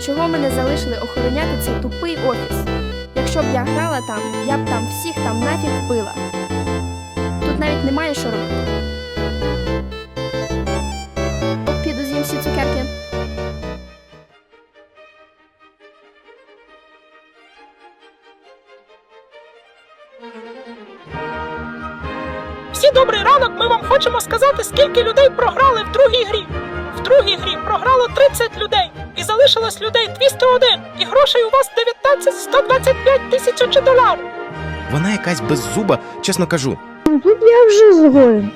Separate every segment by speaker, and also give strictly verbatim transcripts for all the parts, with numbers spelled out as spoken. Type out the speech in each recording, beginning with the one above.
Speaker 1: чого мене залишили охороняти цей тупий офіс? Якщо б я грала там, я б там всіх там нафіг вбила. Тут навіть немає що робити. От піду з'їм всі цукерки.
Speaker 2: Всі добрий ранок, ми вам хочемо сказати, скільки людей програли в другій грі. В другій грі програло тридцять людей, і залишилось людей двісті один, і грошей у вас дев'ятнадцять сто двадцять п'ять тисяч доларів.
Speaker 3: Вона якась беззуба, чесно кажу.
Speaker 4: Тут я вже згоден.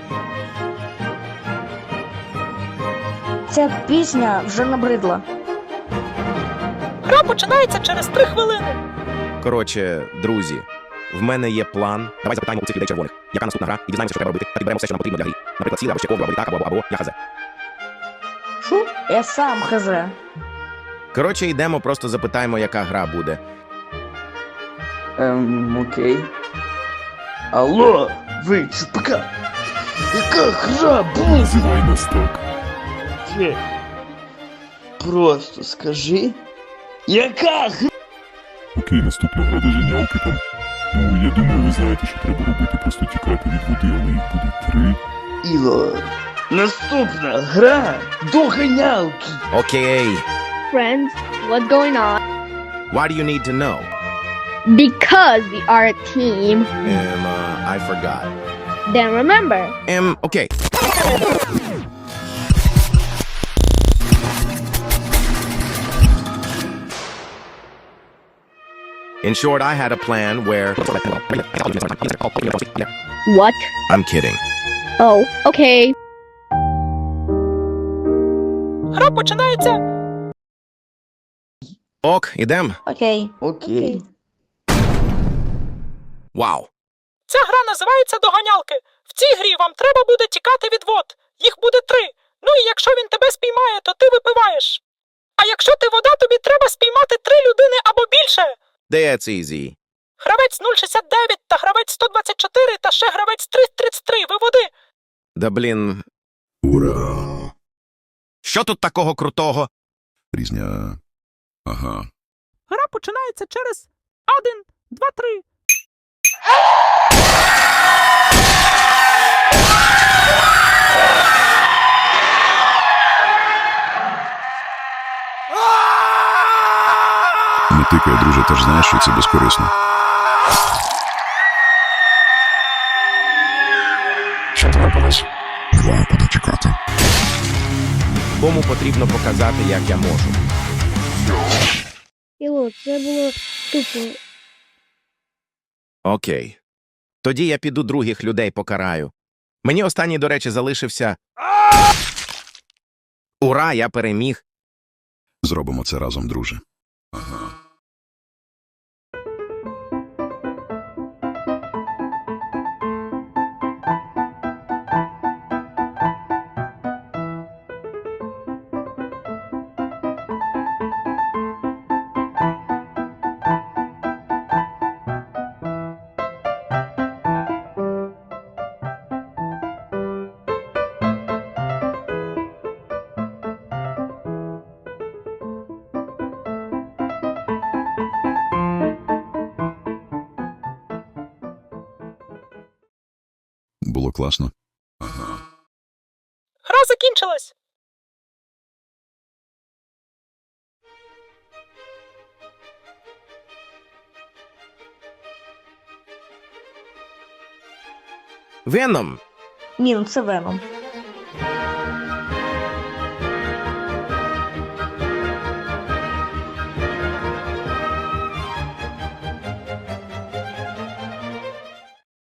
Speaker 4: Ця пісня вже набридла.
Speaker 2: Гра починається через три хвилини.
Speaker 3: Коротше, друзі, в мене є план. Давай запитаємо у цих людей червоних. Яка наступна гра? І дізнаємося, що треба робити. Та підберемо все, що нам потрібно для гри. Наприклад, сіли, або ще ковдру, або літак, або, або, або, я хазе.
Speaker 4: Шо? Я сам хз.
Speaker 3: Коротше, йдемо, просто запитаємо, яка гра буде.
Speaker 5: Ем, окей. Алло, ви, чупака! Яка гра буде?
Speaker 6: Називай нас так.
Speaker 5: Є. Просто скажи. Яка гра?
Speaker 6: Окей, наступна гра доженялки там. Ну, я думаю, ви знаєте, що треба робити, просто тікати від води, але їх буде три.
Speaker 5: Іло. Наступна гра доганялки.
Speaker 3: Окей.
Speaker 7: Friends, what's going on?
Speaker 3: Why do you need to know?
Speaker 7: Because we are a team.
Speaker 3: Um, uh, I forgot.
Speaker 7: Then remember,
Speaker 3: Um, okay. In short, I had a plan where...
Speaker 7: what?
Speaker 3: I'm kidding.
Speaker 7: Oh, okay.
Speaker 2: Гра починається.
Speaker 3: Ок, ідем.
Speaker 4: Окей.
Speaker 5: Окей.
Speaker 3: Вау.
Speaker 2: Ця гра називається доганялки. В цій грі вам треба буде тікати від вод. Їх буде три. Ну і якщо він тебе спіймає, то ти випиваєш. А якщо ти вода, тобі треба спіймати три людини або більше.
Speaker 3: That's easy.
Speaker 2: Гравець нуль шістдесят дев'ять та гравець сто двадцять чотири та ще гравець триста тридцять три. Ви води.
Speaker 3: Да блін.
Speaker 6: Ура!
Speaker 3: Що тут такого крутого?
Speaker 6: Різня. Ага.
Speaker 2: Гра починається через один, два, три.
Speaker 6: Не тикай, друже, ти ж знаєш, що це безкорисно. Що трапилось? Не знаю, куди чекати.
Speaker 3: Кому потрібно показати, як я можу.
Speaker 4: Іло, це було тупо.
Speaker 3: Окей. Тоді я піду других людей покараю. Мені останній, до речі, залишився... Ура, я переміг.
Speaker 6: Зробимо це разом, друже. Ага. Було класно. Ага.
Speaker 2: Гра закінчилась.
Speaker 3: Веном.
Speaker 4: Ні, ну це Веном.